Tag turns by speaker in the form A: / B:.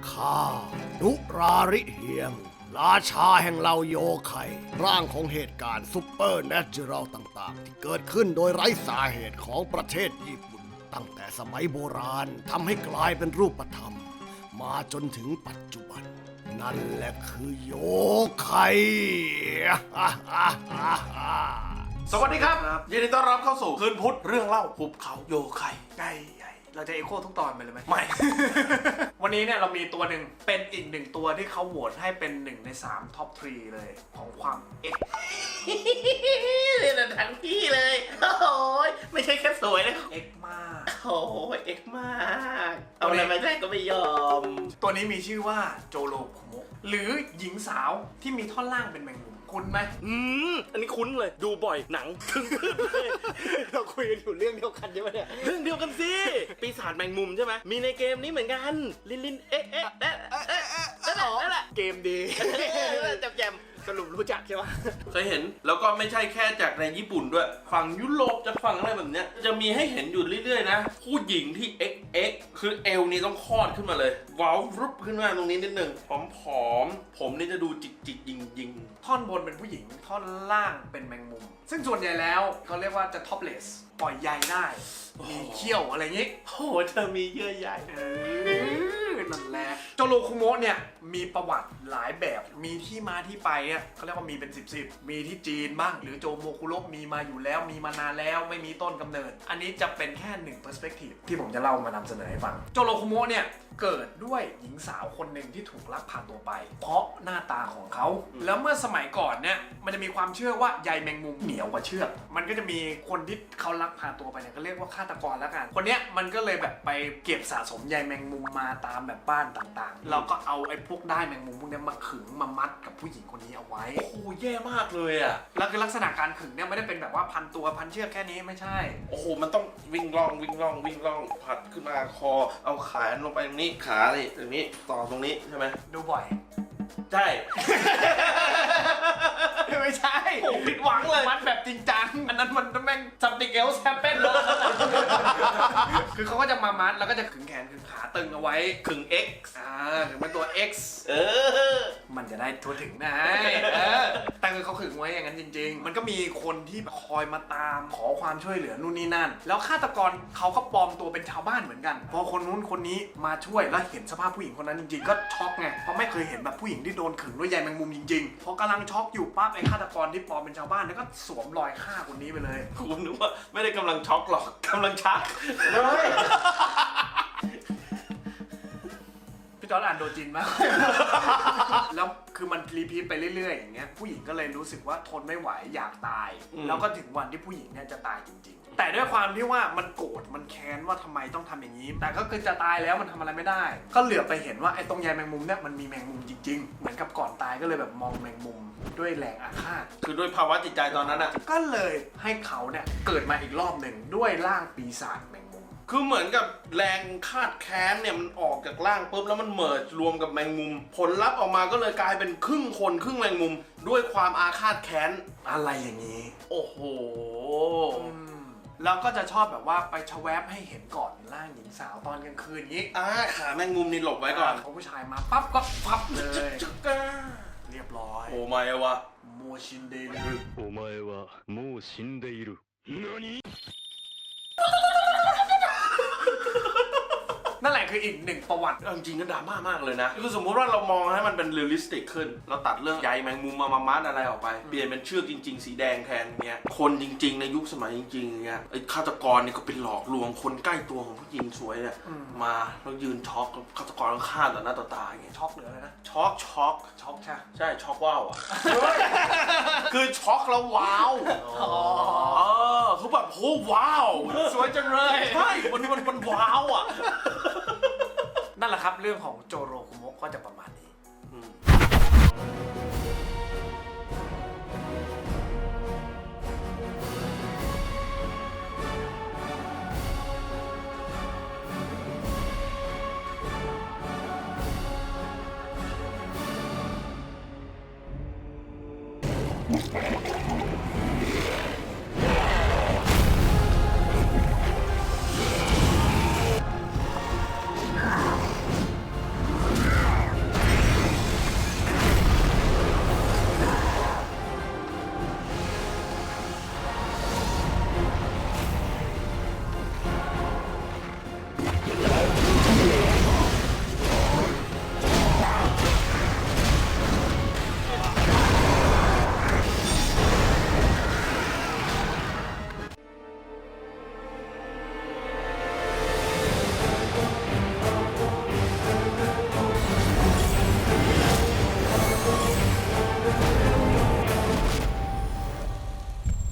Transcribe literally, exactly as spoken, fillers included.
A: ข้านุราริเฮียง ราชาแห่งเหล่าโยไคร่างของเหตุการณ์ซุปเปอร์เนเจอรัลต่างๆ ที่เกิดขึ้นโดยไร้สาเหตุของประเทศญี่ปุ่น ตั้งแต่สมัยโบราณทำให้กลายเป็นรูปธรรม มาจนถึงปัจจุบัน นั่นแหละคือโยไค
B: สวัสดีครับยินดีต้อนรับเข้าสู่คืนพุธเรื่องเล่าหุบเขาโยไคใหญ่ใหญ่เราจะเอโคทุกตอนไปเลยไหมไม่ วันนี้เนี่ยเรามีตัวหนึ่งเป็นอีกหนึ่งตัวที่เขาโหวตให้เป็นหนึ่งในสามท็อปทรีเลยของความเอ็ก
C: เลยนะทั้งพี่เลยโอ้ยไม่ใช่แค่สวยนะ
B: เอ็กมาก
C: โอ้ยเอ็กมากเอาอะไรมาได้ก็ไม่ยอม
B: ตัวนี้มีชื่อว่าโจโรคุโมะหรือหญิงสาวที่มีท่อนล่างเป็นแมงมุมคุณไหม
C: อืมอันนี้คุ้นเลยดูบ่อยหนังครึ่งเลย
B: เราคุยกันอยู่เรื่องเดียวกันใช่ไหมเนี่ย
C: เรื่องเดียวกันสิปีศาจแมงมุมใช่ไหมมีในเกมนี้เหมือนกันลินลินเอ๊ะเอ๊ะเอ๊ะเอ๊ะเอ๊ะนั่นแหละนั่นแหละ
B: เกมดี
C: แจมแจมสรุปรู้จักใช่ไหม
D: เคยเห็นแล้วก็ไม่ใช่แค่จากในญี่ปุ่นด้วยฝั่งยุโรปจากฝั่งอะไรแบบเนี้ยจะมีให้เห็นอยู่เรื่อยๆนะผู้หญิงที่ เอ็กซ์ เอ็กซ์ คือเอวนี่ต้องคลอดขึ้นมาเลยว้าวรุบขึ้นมาตรงนี้นิดนึงผอมๆผมนี่จะดูจิกจิกยิงยิง
B: ท่อนบนเป็นผู้หญิงท่อนล่างเป็นแมงมุม ซึ่งส่วนใหญ่แล้วเขาเรียกว่าจะท็อปเลสปล่อยใยได้มีเขี้ยวอะไรอย่างงี้
C: โอ้โหเธอมีเยื่อใย
B: เออนั่นแหละโจโรคุโมะเนี่ยมีประวัติหลายแบบมีที่มาที่ไปเนี่ยเขาเรียกว่ามีเป็นสิบสิบมีที่จีนบ้างหรือโจโมคุโระมีมาอยู่แล้วมีมานานแล้วไม่มีต้นกำเนิด อันนี้จะเป็นแค่หนึ่งเปอร์สเปกทีฟที่ผมจะเล่ามานำเสนอให้ฟังโจโรคุโมะเนี่ยเกิดด้วยหญิงสาวคนหนึ่งที่ถูกลักพาตัวไป เพราะหน้าตาของเขาแล้วเมื่อสมัยก่อนเนี่ยมันจะมีความเชื่อว่าใยแมงมุมเหนียวกว่าเชือกมันก็จะมีคนที่เขาลักพาตัวไปเนี่ยก็เรียกว่าฆาตกรแล้วกันคนเนี้ยมันก็เลยแบบไปเก็บสะสมใยแมงมุมมาตามแบบบ้านต่างๆแล้วก็เอาไอ้พวกได้แมงมุมพวกนี้มาขึงมามัดกับผู้หญิงคนนี้เอาไว้
D: โอ้โหแย่มากเลยอ่ะ
B: แล้วคือลักษณะการขึงเนี่ยไม่ได้เป็นแบบว่าพันตัวพันเชือกแค่นี้ไม่ใช่
D: โอ้โหมันต้องวิ่งล่องวิ่งล่องวิ่งล่องผัดขึ้นมาคอเอาขาลงไปตรงนี้ขาเลยตรงนี้ต่อตรงนี้ใช่ไหม
B: ดูบ่อย
D: ใช่
B: ไม่ใช่
D: โอ้ผิดหวังเลย
B: มัดแบบจริงจังอันนั้นมันแม่ง something else happen เลยคือเขาก็จะมามัดแล้วก็จะขึงแขนขึงขาตึงเอาไว้
D: ขึง X
B: อ่าถึงเป็นตัว X
D: เออ
B: มันจะได้ทั่วถึงนะเออแต่คือเขาขึงไว้อย่างนั้นจริงๆ มันก็มีคนที่คอยมาตามขอความช่วยเหลือนู่นนี่นั่น แล้วฆาตกรเขาก็ปลอมตัวเป็นชาวบ้านเหมือนกัน พอคนนู้นคนนี้มาช่วยแล้วเห็นสภาพผู้หญิงคนนั้นจริงๆ ก็ช็อกไง เพราะไม่เคยเห็นแบบผู้หญิงที่โดนขึงด้วยใยแมงมุมจริงๆ พอกำลังช็อกอยู่ปั๊บไอ้ฆาตกรที่ปลอมเป็นชาวบ้านเนี่ยก็สวมรอยฆ่าคนนี้ไปเลย
D: ผมนึกว่าไม่ได้กำลังช็อกหรอกกำลังชัก
B: พี่จอร์จอ่านโดจินมาก แล้วคือมันรีพีทไปเรื่อยๆอย่างเงี้ยผู้หญิงก็เลยรู้สึกว่าทนไม่ไหวอยากตาย แล้วก็ถึงวันที่ผู้หญิงเนี่ยจะตายจริงๆ แต่ด้วยความที่ว่ามันโกรธมันแค้นว่าทำไมต้องทำอย่างนี้ แต่ก็คือจะตายแล้วมันทำอะไรไม่ได้ ก็เหลือไปเห็นว่าไอ้ตรงใยแมงมุมเนี่ยมันมีแมงมุมจริงๆ เหมือนกับก่อนตายก็เลยแบบมองแมงมุมด้วยแรงอาฆาต
D: คือด้วยภาวะจิตใจตอนนั้นอ่ะ
B: ก็เลยให้เขาเนี่ยเกิดมาอีกรอบหนึ่งด้วยร่างปีศาจแมงมุม
D: คือเหมือนกับแรงคาดแค้นเนี่ยมันออกจากร่างปุ๊บแล้วมันเมิร์จรวมกับแมงมุม ผลลัพธ์ออกมาก็เลยกลายเป็นครึ่งคนครึ่งแมงมุม ด้วยความอาฆาตแค้น
B: อะไรอย่างนี้
D: โอ้โห
B: แล้วก็จะชอบแบบว่าไปชะแวบให้เห็นก่อนร่างหญิงสาวตอนกลางคืนอย่างนี้
D: อ่าขาแมงมุมนี่หลบไว้ก่อน
B: พอผู้ชายมาปั๊บก็พับเลย
D: จึ๊กก้า
B: เรียบร้อย
D: โอ้ไม่วะ
B: โมชินเดรุ
E: お前はもう死んでいる。何
B: นั่นแหละคืออีกหนึ่งประวัติ
D: จริงๆก็ดราม่ามากเลยนะ คือสมมติว่าเรามองให้มันเป็นเรียลลิสติกขึ้น เราตัดเรื่องใยแมงมุมมามามัดอะไรออกไป เปลี่ยนเป็นเชือกจริงๆ สีแดงแทนเงี้ย คนจริงๆ ในยุคสมัยจริงๆเงี้ยไอ้ฆาตกรเนี่ยก็เป็นหลอกลวงคนใกล้ตัวของผู้หญิงสวยเนี่ยมาแล้วยืนช็อกฆาตกรก็ฆ่าต่อหน้าต่อตาอย่างเงี้ย
B: ช็อกเหลือเลยนะ
D: ช็อกช็อก
B: ช็อกใช่
D: ใช่ช็อกว้าวอ่ะ คือช็อกแล้วว้าว
B: อ๋อ
D: เออคือแบบโหว้าว
B: สวยจังเลย
D: ใช่มันมันมันว้าวอ่ะ
B: นั่นแหละครับเรื่องของโจโรคุโมะก็จะประมาณนี้
D: อืม